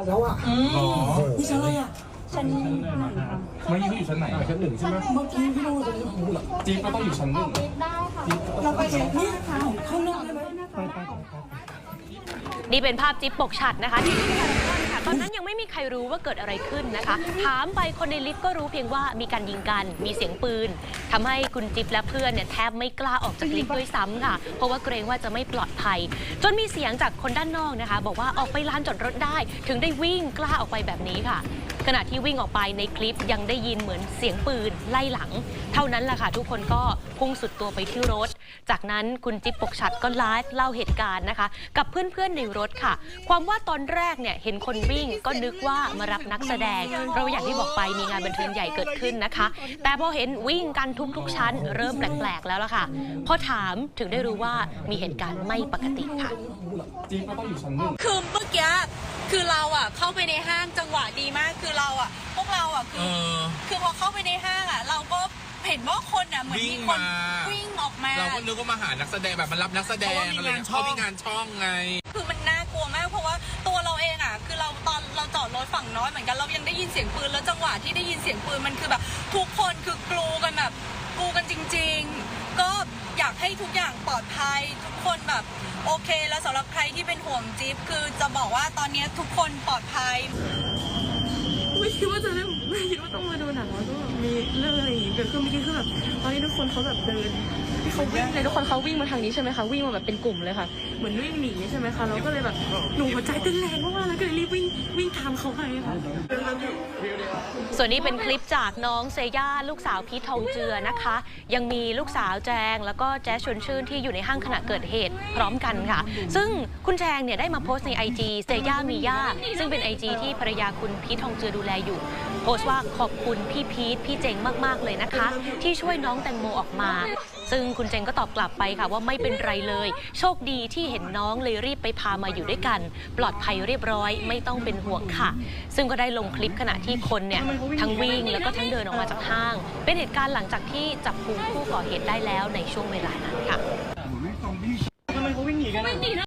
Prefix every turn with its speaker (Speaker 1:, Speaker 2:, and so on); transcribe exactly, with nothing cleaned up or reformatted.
Speaker 1: แล้วอ่ะ
Speaker 2: อ๋อ
Speaker 1: นี่ชั้นอะไรอ่ะ
Speaker 3: ชั้นหนึ่งค่ะ
Speaker 2: เมื่อกี้พี่อยู่ชั้นไหนชั้นหนึ่งใช่ไหม
Speaker 1: เมื่อกี้พี่โน้ตจะอยู่หรอ
Speaker 2: จี๊บก็ต้องอยู่ชั้นหนึ่ง
Speaker 3: ได้ค่ะ
Speaker 1: เราไปชั้นนี่ค่ะข้างนอกได้ไหมไปไป
Speaker 4: นี่เป็นภาพจิ๊บปกฉัดนะคะที่ที่พารากอนค่ะตอนนั้นยังไม่มีใครรู้ว่าเกิดอะไรขึ้นนะคะ ถามไปคนในลิฟต์ก็รู้เพียงว่ามีการยิงกันมีเสียงปืนทำให้คุณจิ๊บและเพื่อนเนี่ยแทบไม่กล้าออกจากลิฟต์ด้วยซ้ำค่ะเพราะว่าเกรงว่าจะไม่ปลอดภัย จนมีเสียงจากคนด้านนอกนะคะบอกว่าออกไปลานจอดรถได้ถึงได้วิ่งกล้าออกไปแบบนี้ค่ะขณะที่วิ่งออกไปในคลิปยังได้ยินเหมือนเสียงปืนไล่หลังเท่านั้นแหละค่ะทุกคนก็พุ่งสุดตัวไปที่รถจากนั้นคุณจิ๊บปกฉัดก็ไลฟ์เล่าเหตุการณ์นะคะกับเพื่อนๆในรถค่ะความว่าตอนแรกเนี่ยเห็นคนวิ่งก็นึกว่ามารับนักแสดงเพราะอย่างที่บอกไปมีงานบันเทิงใหญ่เกิดขึ้นนะคะแต่พอเห็นวิ่งกันทุกๆชั้นเริ่มแปลกๆแล้วล่ะค่ะพอถามถึงได้รู้ว่ามีเหตุการณ์ไม่ปกติค่ะ
Speaker 2: จี๊บก็ต้องอยู่ชั้นหนึ่ง
Speaker 5: คือเมื่อกี้คือเราอ่ะเข้าไปในห้างจังหวะดีมากคือเราอ่ะพวกเราอ่ะคือคือพอเข้าไปในห้างอ่ะเราก็เห็นว่าคนอ่ะเหมือนมีคนวิ่งออกมา
Speaker 6: เราก็นึกว่ามาหานักแสดงแบบมารับนักแสดงอะไรเงี้ยเขามีงานช่องไง
Speaker 5: คือมันน่ากลัวมากเพราะว่าตัวเราเองอ่ะคือเราตอนเราจอดรถฝั่งน้อยเหมือนกันเรายังได้ยินเสียงปืนแล้วจังหวะที่ได้ยินเสียงปืนมันคือแบบทุกคนคือกลูกันแบบกลูกันจริงๆก็อยากให้ทุกอย่างปลอดภัยทุกคนแบบโอเคแล้วสำหรับใครที่เป็นห่วงจิ๊บคือจะบอกว่าตอนนี้ทุกคนปลอดภัย
Speaker 7: ไม่คิดว่าจะได้ไม่คิดว่าต้องมาดูหนังแล้วก็แบบมีเรื่องอะไรอย่างงี้เกิดขึ้นเมื่อกี้คือแบบตอนนี้ทุกคนเขาแบบเดินเขาวิ่งเลยทุกคนเขาวิ่งมาทางนี้ใช่ไหมคะวิ่งมาแบบเป็นกลุ่มเลยค่ะเหมือนวิ่งหนีใช่ไหมคะเราก็เลยแบบหนูหัวใจเต้นแรงมากๆแล้วก็เลยรีบวิ่งวิ่งตามเขาไปค่ะ
Speaker 4: ส่วนนี้เป็นคลิปจากน้องเซย่าลูกสาวพีททองเจือนะคะยังมีลูกสาวแจงแล้วก็แจ๊สชวนชื่นที่อยู่ในห้างขณะเกิดเหตุพร้อมกันค่ะซึ่งคุณแจงเนี่ยได้มาโพสต์ใน ไอ จี เซย่ามีย่าซึ่งเป็น ไอ จี ที่ภรรยาคุณพีททองเจือดูแลอยู่โพสต์ว่าขอบคุณพี่พีทพี่เจงมากๆเลยนะคะที่ช่วยน้องแตงโมออกมาซึ่งคุณเจงก็ตอบกลับไปค่ะว่าไม่เป็นไรเลยโชคดีที่เห็นน้องเลยรีบไปพามาอยู่ด้วยกันปลอดภัยเรียบร้อยไม่ต้องเป็นห่วงค่ะซึ่งก็ได้ลงคลิปขณะที่คนเนี่ยทั้งวิ่งแล้วก็ทั้งเดินออกมาจากห้างเป็นเหตุการณ์หลังจากที่จับกุมผู้ก่อเหตุได้แล้วในช่วงเวลานั้นค่ะ